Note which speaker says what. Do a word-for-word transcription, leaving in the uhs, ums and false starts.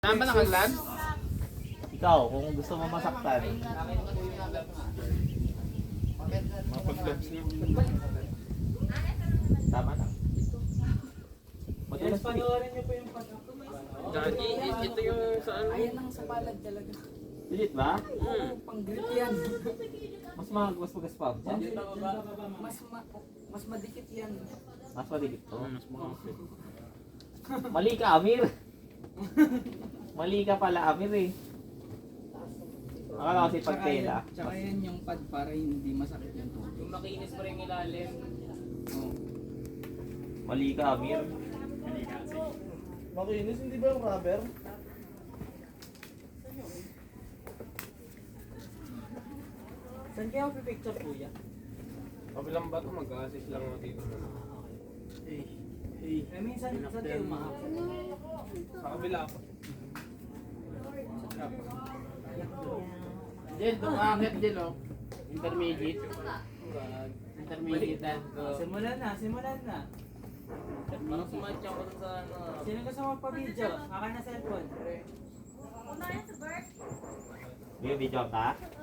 Speaker 1: Saan ba nakaglan?
Speaker 2: Ikaw, kung gusto mo masaktan.
Speaker 1: Mapag-gloves niyo.
Speaker 2: Tama na.
Speaker 3: Yes, panoorin niyo po yung pag
Speaker 1: Gagi, ito yung saan?
Speaker 4: Ayan ang sa palad talaga.
Speaker 2: Legit ba?
Speaker 1: Hmm.
Speaker 4: Pang grip yan.
Speaker 2: Mas mag mas magaspam.
Speaker 4: Mas ma mas madikit yan.
Speaker 2: Mas maligit to.
Speaker 1: Mas makapit.
Speaker 2: Mali ka, Amir. Mali ka pala, Amir eh. Akala kasi pagtela.
Speaker 4: Tsaka yan yung pad para hindi masakit yan.
Speaker 3: Yung makinis pa rin yung ilalim.
Speaker 4: Oh.
Speaker 2: Mali ka, Amir.
Speaker 5: Makinis, hindi ba yung rubber?
Speaker 3: Saan kaya ako pipicture kuya?
Speaker 1: Kabilang ba ito? Mag-assist lang ako dito.
Speaker 3: Eh, eh. Eh, minsan, saan kayo umahap?
Speaker 1: Sa kabila ako.
Speaker 5: Jel, dumakit Jel oh. Intermediate. Intermediate na.
Speaker 3: Simulan na, simulan na.
Speaker 5: Parang sumatya ko dun sa ano.
Speaker 3: Sino gusto magpa-video? Akin na cellphone.
Speaker 2: May video ka?